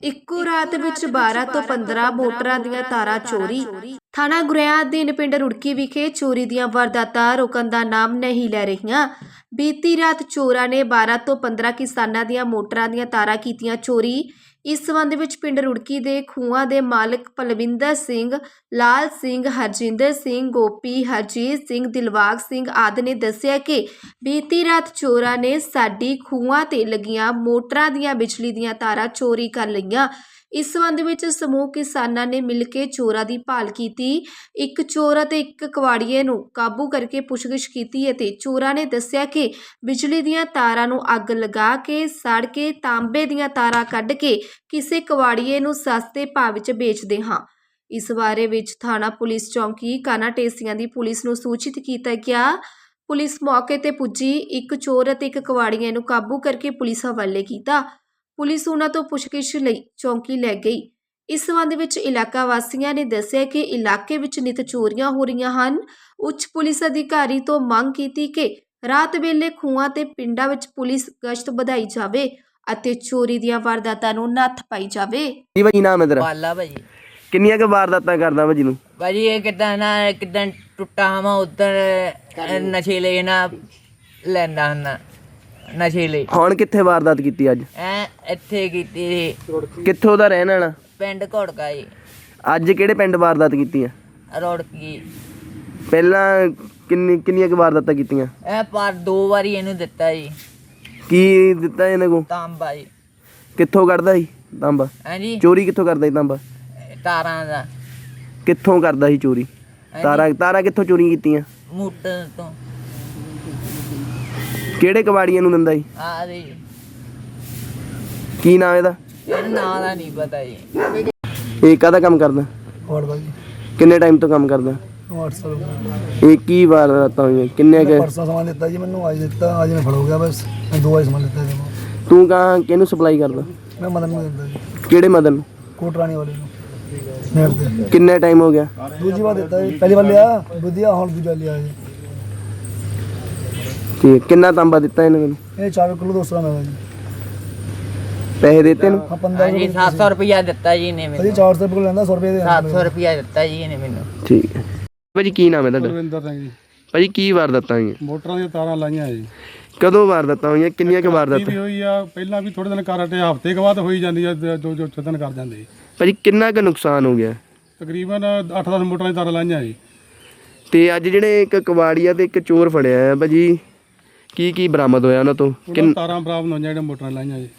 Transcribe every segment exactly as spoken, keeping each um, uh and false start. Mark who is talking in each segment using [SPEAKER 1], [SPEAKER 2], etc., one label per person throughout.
[SPEAKER 1] ਇੱਕੋ ਰਾਤ ਵਿੱਚ ਬਾਰਾਂ ਤੋਂ ਪੰਦਰਾਂ ਮੋਟਰਾਂ ਦੀਆਂ ਤਾਰਾਂ ਚੋਰੀ। ਥਾਣਾ ਗੁਰੇਆ ਅਧੀਨ ਪਿੰਡ ਰੁੜਕੀ ਵਿਖੇ ਚੋਰੀ ਦੀਆਂ ਵਾਰਦਾਤਾਂ ਰੁਕਣ ਦਾ ਨਾਮ ਨਹੀਂ ਲੈ ਰਹੀਆਂ। ਬੀਤੀ ਰਾਤ ਚੋਰਾਂ ਨੇ ਬਾਰਾਂ ਤੋਂ ਪੰਦਰਾਂ ਕਿਸਾਨਾਂ ਦੀਆਂ ਮੋਟਰਾਂ ਦੀਆਂ ਤਾਰਾਂ ਕੀਤੀਆਂ ਚੋਰੀ। ਇਸ ਸੰਬੰਧ ਵਿੱਚ ਪਿੰਡ ਰੁੜਕੀ ਦੇ ਖੂਹਾਂ ਦੇ ਮਾਲਕ ਪਲਵਿੰਦਰ ਸਿੰਘ, ਲਾਲ ਸਿੰਘ, ਹਰਜਿੰਦਰ ਸਿੰਘ, ਗੋਪੀ, ਹਰਜੀਤ ਸਿੰਘ, ਦਿਲਬਾਗ ਸਿੰਘ ਆਦਿ ਨੇ ਦੱਸਿਆ ਕਿ ਬੀਤੀ ਰਾਤ ਚੋਰਾਂ ਨੇ ਸਾਡੀ ਖੂਹਾਂ ਤੇ ਲੱਗੀਆਂ ਮੋਟਰਾਂ ਦੀਆਂ ਬਿਜਲੀ ਦੀਆਂ ਤਾਰਾਂ ਚੋਰੀ ਕਰ ਲਈਆਂ। ਇਸ ਸੰਬੰਧ ਵਿੱਚ ਸਮੂਹ ਕਿਸਾਨਾਂ ਨੇ ਮਿਲ ਕੇ ਚੋਰਾਂ ਦੀ ਭਾਲ ਕੀਤੀ। ਇੱਕ ਚੋਰ ਅਤੇ ਇੱਕ ਕਵਾੜੀਏ ਨੂੰ ਕਾਬੂ ਕਰਕੇ ਪੁੱਛਗਿੱਛ ਕੀਤੀ ਅਤੇ ਚੋਰਾਂ ਨੇ ਦੱਸਿਆ ਕਿ ਬਿਜਲੀ ਦੀਆਂ ਤਾਰਾਂ ਨੂੰ ਅੱਗ ਲਗਾ ਕੇ ਸੜ ਕੇ ਤਾਂਬੇ ਦੀਆਂ ਤਾਰਾਂ ਕੱਢ ਕੇ ਕਿਸੇ ਕਵਾੜੀਏ ਨੂੰ ਸਸਤੇ ਭਾਅ ਵਿੱਚ ਵੇਚਦੇ ਹਾਂ। ਇਸ ਬਾਰੇ ਵਿੱਚ ਥਾਣਾ ਪੁਲਿਸ ਚੌਂਕੀ ਕਾਨਾ ਢੇਸੀਆਂ ਦੀ ਪੁਲਿਸ ਨੂੰ ਸੂਚਿਤ ਕੀਤਾ ਗਿਆ। ਪੁਲਿਸ ਮੌਕੇ ਤੇ ਪੁੱਜੀ, ਇੱਕ ਚੋਰ ਅਤੇ ਇੱਕ ਕਵਾੜੀਏ ਨੂੰ ਕਾਬੂ ਕਰਕੇ ਪੁਲਿਸ ਹਵਾਲੇ ਕੀਤਾ। ਪੁਲਿਸ ਉਹਨਾਂ ਤੋਂ ਪੁੱਛਗਿੱਛ ਲਈ ਚੌਂਕੀ ਲੈ ਗਈ। ਇਸ ਸੰਬੰਧ ਵਿੱਚ ਇਲਾਕਾ ਵਾਸੀਆਂ ਨੇ ਦੱਸਿਆ ਕਿ ਇਲਾਕੇ ਵਿੱਚ ਨਿਤ ਚੋਰੀਆਂ ਹੋ ਰਹੀਆਂ ਹਨ। ਉੱਚ ਪੁਲਿਸ ਅਧਿਕਾਰੀ ਤੋਂ ਮੰਗ ਕੀਤੀ ਕਿ ਰਾਤ ਵੇਲੇ ਖੂਹਾਂ ਤੇ ਪਿੰਡਾਂ ਵਿੱਚ ਪੁਲਿਸ ਗਸ਼ਤ ਵਧਾਈ ਜਾਵੇ ਅਤੇ ਚੋਰੀ ਦੀਆਂ ਵਾਰਦਾਤਾਂ ਨੂੰ ਨੱਥ ਪਾਈ ਜਾਵੇ।
[SPEAKER 2] ਜੀ ਭਾਜੀ, ਨਾਮ ਹੈ ਤੇਰਾ?
[SPEAKER 3] ਪਾਲਾ ਭਾਜੀ।
[SPEAKER 2] ਕਿੰਨੀਆਂ ਕੁ ਵਾਰਦਾਤਾਂ ਕਰਦਾ ਭਾਜੀ ਨੂੰ?
[SPEAKER 3] ਭਾਜੀ ਇਹ ਕਿੱਦਾਂ ਨਾ ਕਿੱਦਾਂ ਟੁੱਟਾ ਹਾਂ ਉਧਰ ਨਸ਼ੀਲੇ ਨਾ ਲੈਂਦਾ ਹੁੰਦਾ ਨਸ਼ੀਲੇ।
[SPEAKER 2] ਹੁਣ ਕਿੱਥੇ ਵਾਰਦਾਤ ਕੀਤੀ ਅੱਜ?
[SPEAKER 3] ਐ ਇੱਥੇ ਕੀਤੀ ਸੀ
[SPEAKER 2] ਕਿੱਥੋਂ ਦਾ ਰਹਿਣ ਵਾਲਾ?
[SPEAKER 3] ਪਿੰਡ ਘੋੜਕਾ ਜੀ।
[SPEAKER 2] ਅੱਜ ਕਿਹੜੇ ਪਿੰਡ ਵਾਰਦਾਤ ਕੀਤੀ ਆ?
[SPEAKER 3] ਰੋੜਕੀ।
[SPEAKER 2] ਪਹਿਲਾਂ ਕਿੰਨੀ ਕਿੰਨੀਆਂ ਕੁ ਵਾਰਦਾਤਾਂ ਕੀਤੀਆਂ?
[SPEAKER 3] ਐ ਪਰ ਦੋ ਵਾਰੀ ਇਹਨੂੰ ਦਿੱਤਾ ਜੀ।
[SPEAKER 2] ਕੀ ਦਿੱਤਾ ਇਹਨਾਂ ਕੋ?
[SPEAKER 3] ਤਾਂਬਾ ਜੀ।
[SPEAKER 2] ਕਿੱਥੋਂ ਕੱਢਦਾ ਸੀ ਤਾਂਬਾ?
[SPEAKER 3] ਹਾਂਜੀ,
[SPEAKER 2] ਚੋਰੀ ਕਿੱਥੋਂ ਕਰਦਾ ਸੀ ਤਾਂਬਾ?
[SPEAKER 3] ਤਾਰਾਂ ਦਾ।
[SPEAKER 2] ਕਿੱਥੋਂ ਕਰਦਾ ਸੀ ਚੋਰੀ? ਤਾਰਾਂ ਤਾਰਾਂ ਕਿੱਥੋਂ ਚੋਰੀ ਕੀਤੀਆਂ?
[SPEAKER 3] ਮੋਟਰ ਤੋਂ।
[SPEAKER 2] ਕਿਹੜੇ ਕਬਾੜੀਆਂ ਨੂੰ ਦਿੰਦਾ ਸੀ?
[SPEAKER 3] ਆ ਜੀ
[SPEAKER 2] ਕੀ ਨਾਮ ਇਹਦਾ?
[SPEAKER 3] ਇਹਨੂੰ ਨਾਂ ਦਾ ਨਹੀਂ ਪਤਾ ਜੀ।
[SPEAKER 2] ਇਹ ਕਾਹਦਾ ਕੰਮ ਕਰਦਾ?
[SPEAKER 4] ਹੋਰ ਭਾਜੀ
[SPEAKER 2] ਕਿੰਨੇ ਟਾਈਮ ਤੋਂ ਕੰਮ ਕਰਦਾ?
[SPEAKER 4] ਅੱਠ ਸਾਲ
[SPEAKER 2] ਇਹ ਕੀ ਵਾਰਦਾਤਾਂ ਹੋਈਆਂ? ਕਿੰਨੇ ਕੁ?
[SPEAKER 4] ਪਰਸੋਂ ਸਮਾਨ ਦਿੱਤਾ ਜੀ ਮੈਨੂੰ, ਅੱਜ ਦਿੱਤਾ, ਅੱਜ ਮੈਂ ਫੜ ਹੋ ਗਿਆ। ਬਸ ਮੈਂ ਦੋ ਵਾਰੀ ਸਮਾਨ ਦਿੱਤਾ ਜੀ।
[SPEAKER 2] ਤੂੰ ਕਹਾਂ ਕਿਹਨੂੰ ਸਪਲਾਈ ਕਰਦਾ?
[SPEAKER 4] ਮੈਂ ਮਦਨ ਨੂੰ ਦਿੰਦਾ ਜੀ,
[SPEAKER 2] ਕਿਹੜੇ ਮਦਨ ਨੂੰ?
[SPEAKER 4] ਕੋਟਰਾਣੀ ਵਾਲੇ ਨੂੰ। ਨੇੜ ਤੇ
[SPEAKER 2] ਕਿੰਨੇ ਟਾਈਮ ਹੋ ਗਿਆ?
[SPEAKER 4] ਦੂਜੀ ਵਾਰ ਦਿੱਤਾ ਜੀ, ਪਹਿਲੀ ਵਾਰ ਲਿਆ ਵਧੀਆ, ਹੁਣ ਦੂਜਾ ਲਿਆ ਜੀ।
[SPEAKER 2] ਠੀਕ, ਕਿੰਨਾ ਤਾਂਬਾ ਦਿੱਤਾ ਇਹਨੇ ਮੈਨੂੰ?
[SPEAKER 4] ਇਹ ਚਾਰ ਕਿਲੋ ਦੋ ਸੌ ਦਾ ਜੀ।
[SPEAKER 2] ਪੈਸੇ ਦਿੱਤੇ ਨੂੰ?
[SPEAKER 4] ਹਾਂ ਪੰਦਰਾਂ
[SPEAKER 3] ਹਾਂਜੀ ਸੱਤ ਸੌ ਰੁਪਇਆ ਦਿੱਤਾ ਜੀ ਇਹਨੇ
[SPEAKER 4] ਭਾਜੀ।
[SPEAKER 3] ਮੈਨੂੰ।
[SPEAKER 4] ਚਾਰ ਸੌ ਰੁਪਏ ਲੈਂਦਾ, ਸੌ ਰੁਪਏ ਦੇ
[SPEAKER 3] ਸੱਤ ਸੌ ਰੁਪਇਆ ਦਿੱਤਾ ਜੀ ਇਹਨੇ ਮੈਨੂੰ।
[SPEAKER 2] ਠੀਕ ਹੈ ਭਾਜੀ, ਕੀ ਨਾਮ ਹੈ ਤੁਹਾਡਾ?
[SPEAKER 5] ਰਵਿੰਦਰ ਸਿੰਘ ਜੀ।
[SPEAKER 2] ਭਾਜੀ ਕੀ ਵਾਰਦਾਤਾਂ ਹੋਈਆਂ?
[SPEAKER 5] ਮੋਟਰਾਂ ਦੀਆਂ ਤਾਰਾਂ ਲਾਈਆਂ ਜੀ।
[SPEAKER 2] ਕਦੋਂ ਵਾਰਦਾਤਾਂ ਹੋਈਆਂ? ਕਿੰਨੀਆਂ ਕੁ
[SPEAKER 5] ਵੀ
[SPEAKER 2] ਵਾਰਦਾਤਾਂ?
[SPEAKER 5] ਹੋਈ ਆ, ਪਹਿਲਾਂ ਵੀ ਥੋੜੇ ਦਿਨ ਕਰ ਹਟੇ, ਹਫ਼ਤੇ ਕੁ ਬਾਅਦ ਹੋਈ ਜਾਂਦੀ ਆ, ਦੋ ਜੋ ਛੇ ਦਿਨ ਕਰ ਜਾਂਦੇ ਜੀ।
[SPEAKER 2] ਭਾਜੀ ਕਿੰਨਾ ਕੁ ਨੁਕਸਾਨ ਹੋ ਗਿਆ?
[SPEAKER 5] ਤਕਰੀਬਨ ਅੱਠ ਦਸ ਮੋਟਰਾਂ ਦੀਆਂ ਤਾਰਾਂ ਲਾਈਆਂ ਜੀ।
[SPEAKER 2] ਤੇ ਅੱਜ ਜਿਹੜੇ ਇੱਕ ਕਬਾੜੀਆ ਤੇ ਇੱਕ ਚੋਰ ਫੜਿਆ ਆ ਭਾਜੀ, ਕੀ ਕੀ ਬਰਾਮਦ ਹੋਇਆ ਉਹਨਾਂ ਤੋਂ?
[SPEAKER 5] ਉਹਨਾਂ ਤਾਰਾਂ ਬਰਾਬਰ ਹੋਈਆਂ ਜਿਹੜੀਆਂ ਮੋਟਰਾਂ ਲਾਈਆਂ ਜੀ।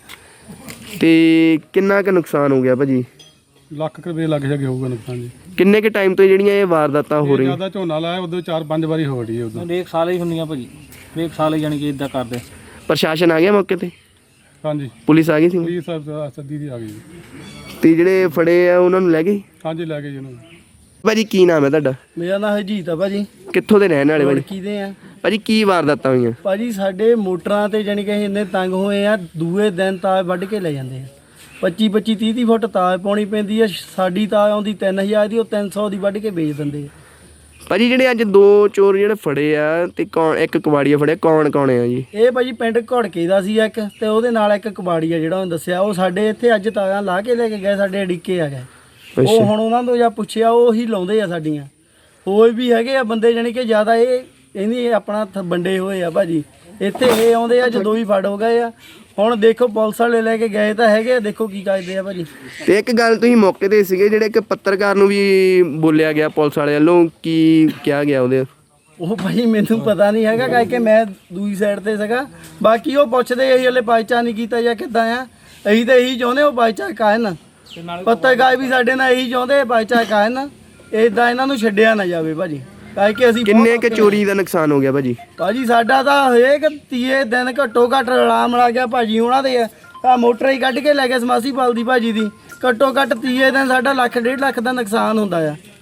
[SPEAKER 2] ਤੇ ਕਿੰਨਾ ਕੁ ਨੁਕਸਾਨ ਹੋ ਗਿਆ ਭਾਜੀ?
[SPEAKER 5] ਲੱਖ ਕੁ ਰੁਪਏ ਲੱਗ ਜਾਗੇ ਹੋਊਗਾ ਨੁਕਸਾਨ ਜੀ।
[SPEAKER 2] ਕਿੰਨੇ ਕੁ ਟਾਈਮ ਤੋਂ ਜਿਹੜੀਆਂ ਇਹ ਵਾਰਦਾਤਾਂ ਹੋ ਰਹੀਆਂ?
[SPEAKER 5] ਜਿਆਦਾ ਝੋਨਾ ਲਾਇਆ ਉਦੋਂ ਚਾਰ ਪੰਜ ਵਾਰੀ ਹੋ ਰਹੀ ਹੈ। ਉਦੋਂ
[SPEAKER 6] ਹਰੇਕ ਸਾਲ ਹੀ ਹੁੰਦੀਆਂ ਭਾਜੀ, ਹਰੇਕ ਸਾਲ ਹੀ ਜਾਣੀ ਕਿ ਇਦਾਂ ਕਰਦੇ।
[SPEAKER 2] ਪ੍ਰਸ਼ਾਸਨ ਆ ਗਿਆ ਮੌਕੇ ਤੇ?
[SPEAKER 5] ਹਾਂਜੀ,
[SPEAKER 2] ਪੁਲਿਸ ਆ ਗਈ ਸੀ?
[SPEAKER 5] ਪੁਲਿਸ ਸੱਦੀ ਦੀ ਆ ਗਈ ਜੀ।
[SPEAKER 2] ਤੇ ਜਿਹੜੇ ਫੜੇ ਆ ਉਹਨਾਂ ਨੂੰ ਲੈ ਗਏ?
[SPEAKER 5] ਹਾਂਜੀ ਲੈ ਗਏ ਜੀ ਉਹਨੂੰ।
[SPEAKER 2] ਭਾਜੀ ਕੀ ਨਾਮ ਹੈ ਤੁਹਾਡਾ?
[SPEAKER 4] ਮੇਰਾ ਨਾਮ ਹਰਜੀਤ ਆ ਭਾਜੀ।
[SPEAKER 2] ਕਿੱਥੋਂ ਦੇ ਰਹਿਣ ਵਾਲੇ ਭਾਜੀ?
[SPEAKER 4] ਕਿਹਦੇ ਆ
[SPEAKER 2] ਭਾਜੀ ਕੀ ਵਾਰਦਾਤਾਂ ਹੋਈਆਂ?
[SPEAKER 4] ਭਾਜੀ? ਸਾਡੇ ਮੋਟਰਾਂ ਤੇ ਜਾਣੀ ਕਿ ਇੰਨੇ ਤੰਗ ਹੋਏ ਆ, ਦੂਏ ਦਿਨ ਤਾਰ ਵੱਢ ਕੇ ਲੈ ਜਾਂਦੇ ਆ। ਪੱਚੀ ਪੱਚੀ ਤੀਹ ਤੀਹ ਫੁੱਟ ਤਾਰ ਪਾਉਣੀ ਪੈਂਦੀ ਆ। ਸਾਡੀ ਤਾਰ ਆਉਂਦੀ ਤਿੰਨ ਹਜ਼ਾਰ ਦੀ, ਉਹ ਤਿੰਨ ਸੌ ਦੀ ਵੱਢ ਕੇ ਵੇਚ ਦਿੰਦੇ ਆ।
[SPEAKER 2] ਭਾਜੀ ਜਿਹੜੇ ਅੱਜ ਦੋ ਚੋਰ ਜਿਹੜੇ ਫੜੇ ਆ ਤੇ ਕੌਣ, ਇੱਕ ਕਬਾੜੀਆ ਫੜਿਆ, ਕੌਣ ਕੌਣ ਆ ਜੀ?
[SPEAKER 4] ਇਹ ਭਾਜੀ ਪਿੰਡ ਘੋੜਕੇ ਦਾ ਸੀ ਇੱਕ, ਤੇ ਉਹਦੇ ਨਾਲ ਇੱਕ ਕਬਾੜੀਆ ਜਿਹੜਾ ਉਹਨੇ ਦੱਸਿਆ। ਉਹ ਸਾਡੇ ਇੱਥੇ ਅੱਜ ਤਾਰਾਂ ਲਾ ਕੇ ਲੈ ਕੇ ਗਏ, ਸਾਡੇ ਅੜਿੱਕੇ ਆ ਗਏ। ਉਹ ਹੁਣ ਉਹਨਾਂ ਤੋਂ ਜਾਂ ਪੁੱਛਿਆ, ਉਹ ਹੀ ਲਾਉਂਦੇ ਆ ਸਾਡੀਆਂ। ਹੋਰ ਵੀ ਹੈਗੇ ਆ ਬੰਦੇ ਜਾਣੀ ਕਿ ਜ਼ਿਆਦਾ ਇਹ ਇਹਨੀ ਆਪਣਾ ਵੰਡੇ ਹੋਏ ਆ ਭਾਜੀ। ਇੱਥੇ ਇਹ ਆਉਂਦੇ ਆ, ਜਦੋਂ ਵੀ ਫੜ ਹੋ ਗਏ ਆ। ਹੁਣ ਦੇਖੋ ਪੁਲਿਸ ਵਾਲੇ ਲੈ ਕੇ ਗਏ ਤਾਂ ਹੈਗੇ, ਦੇਖੋ ਕੀ ਕਰਦੇ ਆ ਭਾਜੀ।
[SPEAKER 2] ਤੇ ਇੱਕ ਗੱਲ ਤੁਸੀਂ ਮੌਕੇ ਤੇ ਸੀਗੇ, ਜਿਹੜੇ ਇੱਕ ਪੱਤਰਕਾਰ ਨੂੰ ਵੀ ਬੋਲਿਆ ਗਿਆ ਪੁਲਿਸ ਵਾਲਿਆਂ ਵੱਲੋਂ, ਕੀ ਕਿਹਾ ਗਿਆ ਉਹਦੇ?
[SPEAKER 4] ਉਹ ਭਾਈ ਮੈਨੂੰ ਪਤਾ ਨਹੀਂ ਹੈਗਾ, ਕਰਕੇ ਮੈਂ ਦੂਜੀ ਸਾਈਡ ਤੇ ਸੀਗਾ। ਬਾਕੀ ਉਹ ਪੁੱਛਦੇ ਅਸੀਂ ਹਲੇ ਬਾਈਚਾ ਨਹੀਂ ਕੀਤਾ ਜਾਂ ਕਿੱਦਾਂ ਆ। ਅਸੀਂ ਤਾਂ ਇਹੀ ਚਾਹੁੰਦੇ ਉਹ ਬਾਈਚਾ ਕਾਇਨ, ਪੱਤਰਕਾਰ ਵੀ ਸਾਡੇ ਨਾਲ ਇਹੀ ਚਾਹੁੰਦੇ ਬਾਈਚਾ ਕਾਇਨ, ਇੱਦਾਂ ਇਹਨਾਂ ਨੂੰ ਛੱਡਿਆ ਨਾ ਜਾਵੇ ਭਾਜੀ। ਕਰਕੇ ਅਸੀਂ
[SPEAKER 2] ਕਿੰਨੇ ਕੁ ਚੋਰੀ ਦਾ ਨੁਕਸਾਨ ਹੋ ਗਿਆ ਭਾਜੀ?
[SPEAKER 4] ਭਾਜੀ ਸਾਡਾ ਤਾਂ ਹਰੇਕ ਤੀਏ ਦਿਨ ਘੱਟੋ ਘੱਟ ਰਲਾਮ ਲਾ ਗਿਆ ਭਾਜੀ। ਉਹਨਾਂ ਦੇ ਆ ਮੋਟਰ ਹੀ ਕੱਢ ਕੇ ਲੈ ਗਏ ਸਮਾਸੀ ਪਾਲ ਦੀ ਭਾਜੀ ਦੀ। ਘੱਟੋ ਘੱਟ ਤੀਏ ਦਿਨ ਸਾਡਾ ਲੱਖ ਡੇਢ ਲੱਖ ਦਾ ਨੁਕਸਾਨ ਹੁੰਦਾ ਆ।